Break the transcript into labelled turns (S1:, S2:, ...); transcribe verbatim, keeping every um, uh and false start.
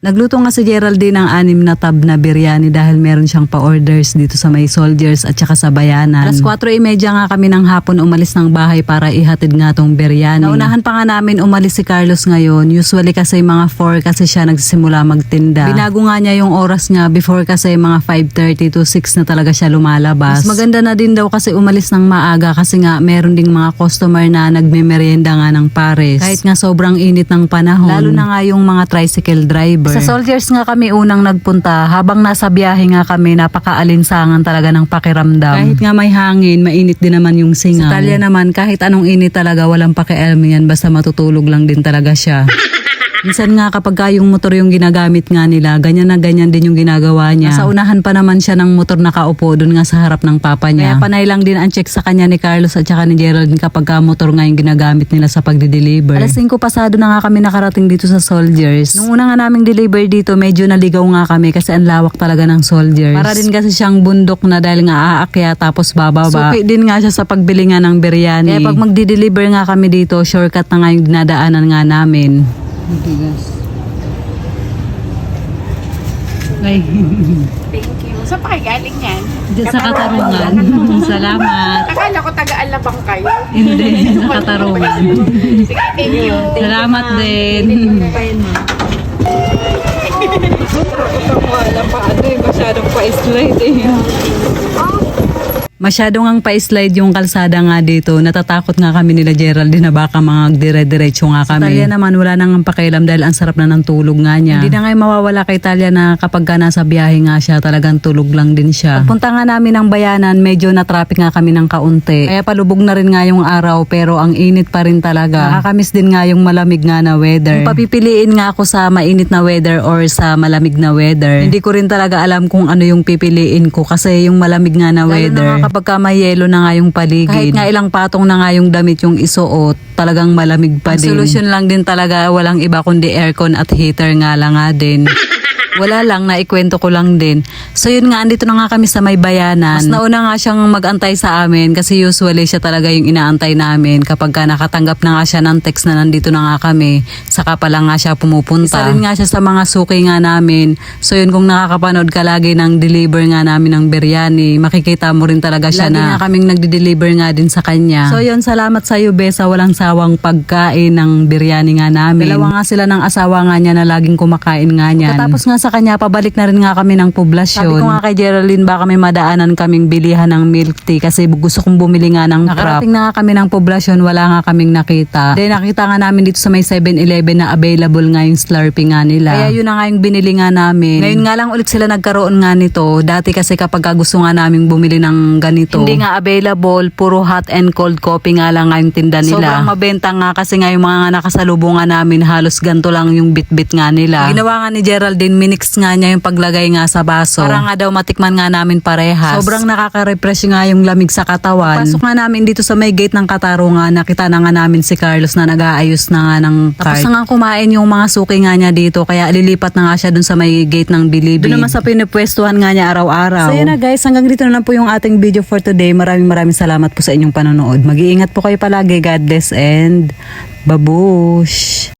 S1: Nagluto nga si Geraldine ng anim na tab na biryani dahil meron siyang pa-orders dito sa may Soldiers at saka sa Bayanan. Alas kwatro e medya nga kami ng hapon umalis ng bahay para ihatid nga tong biryani. Naunahan pa nga namin umalis si Carlos ngayon. Usually kasi mga four kasi siya nagsisimula magtinda. Binago nga niya yung oras niya before kasi mga five thirty to six na talaga siya lumalabas. Mas maganda na din daw kasi umalis ng maaga kasi nga meron ding mga customer na nagme-merienda nga ng pares. Kahit nga sobrang init ng panahon. Lalo na nga yung mga tricycle driver. Sa Soldiers nga kami unang nagpunta. Habang nasa biyahe nga kami, napakaalinsangan talaga ng pakiramdam. Kahit nga may hangin, mainit din naman yung singaw. Sa Talya naman, kahit anong init talaga, walang pakialam yan. Basta matutulog lang din talaga siya. Minsan nga kapag ka yung motor yung ginagamit nga nila, ganyan na ganyan din yung ginagawa niya. Sa unahan pa naman siya ng motor nakaupo doon nga sa harap ng papa niya. Kaya panay lang din ang check sa kanya ni Carlos at saka ni Geraldine kapag ka motor nga yung ginagamit nila sa pagdi-deliver. Alas singko pasado na nga kami nakarating dito sa Soldiers. Nung una nga naming deliver dito, medyo naligaw nga kami kasi ang lawak talaga ng Soldiers. Para din kasi siyang bundok na dahil nga aakya tapos bababa. Suki din nga siya sa pagbili nga ng biryani. Kaya pag magdi-deliver nga kami dito, shortcut na nga yung dinadaanan nga namin. Bigas. Ay.
S2: Thank you. Saan pa kayo galing yan?
S1: Diyan sa Katarungan. Salamat.
S2: Akala ko taga-alabang kayo.
S1: Hindi, sa Katarungan.
S2: Sige, thank you.
S1: Salamat din.
S2: Wala pa ano eh, masyadong pa-slide eh.
S1: Masyadong ang pa-slide yung kalsada nga dito. Natatakot nga kami nila Geraldine na baka mga dire-diretso nga kami. Sa Talya naman wala nang pakialam dahil ang sarap na ng tulog nga niya. Hindi na nga mawawala kay Talya na kapag ka nasa biyahe nga siya talagang tulog lang din siya. Pagpunta nga namin ng Bayanan, medyo na-traffic nga kami ng kaunti. Kaya palubog na rin nga yung araw pero ang init pa rin talaga. Nakakamiss din nga yung malamig nga na weather. Kung papipiliin nga ako sa mainit na weather or sa malamig na weather, hindi ko rin talaga alam kung ano yung pipiliin ko kasi yung malamig nga na weather. Pagka may yelo na nga yung paligid. Kahit nga ilang patong na nga yung damit yung isuot, talagang malamig pa din. Ang solusyon lang din talaga, walang iba kundi aircon at heater nga lang nga din. Wala lang, naikwento ko lang din. So yun nga, andito na nga kami sa may Bayanan. Mas nauna nga siyang mag-antay sa amin kasi usually siya talaga yung inaantay namin. Kapag ka nakatanggap na nga siya ng text na nandito na nga kami, saka pa lang nga siya pumupunta. Isa rin nga siya sa mga suki nga namin. So yun, kung nakakapanood ka lagi ng deliver nga namin ng biryani, makikita mo rin talaga siya lagi na nga kaming nagde-deliver nga din sa kanya. So yun, salamat sa iyo, Be, sa walang sawang pagkain ng biryani nga namin. Dalawa nga sila ng asawa nga niya na laging kumakain nga niyan. Tapos nga sa kanya, pabalik na rin nga kami ng poblasyon. Sabi ko nga kay Geraldine, baka may madaanan kaming bilihan ng milk tea kasi gusto kong bumili nga ng crap. Nakarating na nga kami ng poblasyon, wala nga kaming nakita. Then nakita nga namin dito sa may seven eleven na available nga yung Slurpee nga nila. Kaya yun na nga yung binili nga namin. Ngayon nga lang ulit sila nagkaroon nga nito. Dati kasi kapag gusto nga namin bumili ng ganito, hindi nga available, puro hot and cold coffee nga lang nga yung tinda nila. Sobrang mabenta nga kasi nga yung mga nakasalubungan namin, halos ganito lang yung bit-bit nga nila. Ginawa nga ni Geraldine, minix nga niya yung paglagay nga sa baso. Para nga daw matikman nga namin parehas. Sobrang nakaka-refresh nga yung lamig sa katawan. Pasok nga namin dito sa may gate ng Katarungan, nakita na nga namin si Carlos na nag-aayos na nga ng cart. Tapos na nga kumain yung mga suki nga niya dito, kaya lilipat na nga siya dun sa may gate ng Bilibid. Doon naman sa pinipwestuhan nga niya araw-araw. So yun na guys, hanggang dito na lang po yung ating video for today. Maraming maraming salamat po sa inyong panonood. Mag-iingat po kayo palagi. God bless and babush!